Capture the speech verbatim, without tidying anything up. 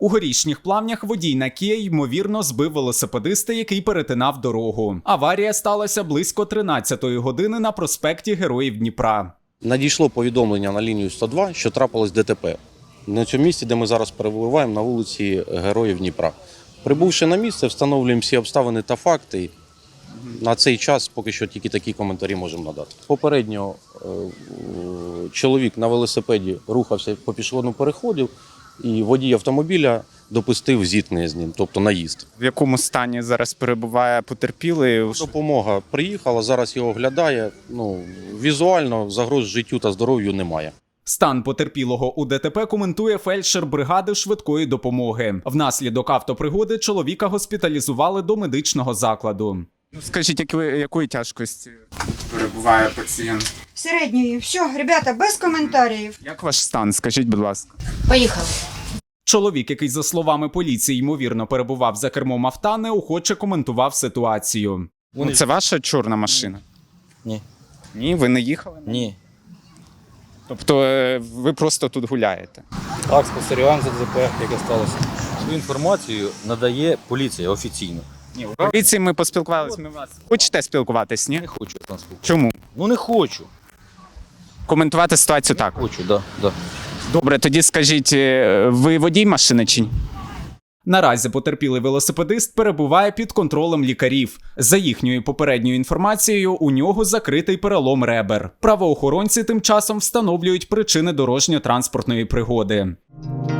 У Горішніх Плавнях водій на Kia, ймовірно, збив велосипедиста, який перетинав дорогу. Аварія сталася близько тринадцятої години на проспекті Героїв Дніпра. Надійшло повідомлення на лінію сто два, що трапилось ДТП. На цьому місці, де ми зараз перебуваємо, на вулиці Героїв Дніпра. Прибувши на місце, встановлюємо всі обставини та факти. На цей час поки що тільки такі коментарі можемо надати. Попередньо е, чоловік на велосипеді рухався по пішохідному переходу, і водій автомобіля допустив зіткнення з ним, тобто наїзд. В якому стані зараз перебуває потерпілий? Допомога приїхала, зараз його оглядає. Ну, візуально загроз життю та здоров'ю немає. Стан потерпілого у ДТП коментує фельдшер бригади швидкої допомоги. Внаслідок автопригоди чоловіка госпіталізували до медичного закладу. Ну, скажіть, якої, якої тяжкості перебуває пацієнт? Середньої. Все, ребята, без коментарів. Як ваш стан? Скажіть, будь ласка. Поїхали. Чоловік, який, за словами поліції, ймовірно перебував за кермом авто, неохоче коментував ситуацію. Ну, це ваша чорна машина? Ні. Ні, ви не їхали? Ні. Тобто е, ви просто тут гуляєте? Так, спостерігаємо за ДТП, яке сталося. Свою інформацію надає поліція офіційно. Ні, у поліції ми поспілкувалися. Ми вас. Хочете спілкуватись, ні? Не хочу там спілкуватися. Чому? Ну не хочу. Коментувати ситуацію так. Хочу, да, да. Добре, тоді скажіть, е, ви водій машини чи ні? Наразі потерпілий велосипедист перебуває під контролем лікарів. За їхньою попередньою інформацією, у нього закритий перелом ребер. Правоохоронці тим часом встановлюють причини дорожньо-транспортної пригоди.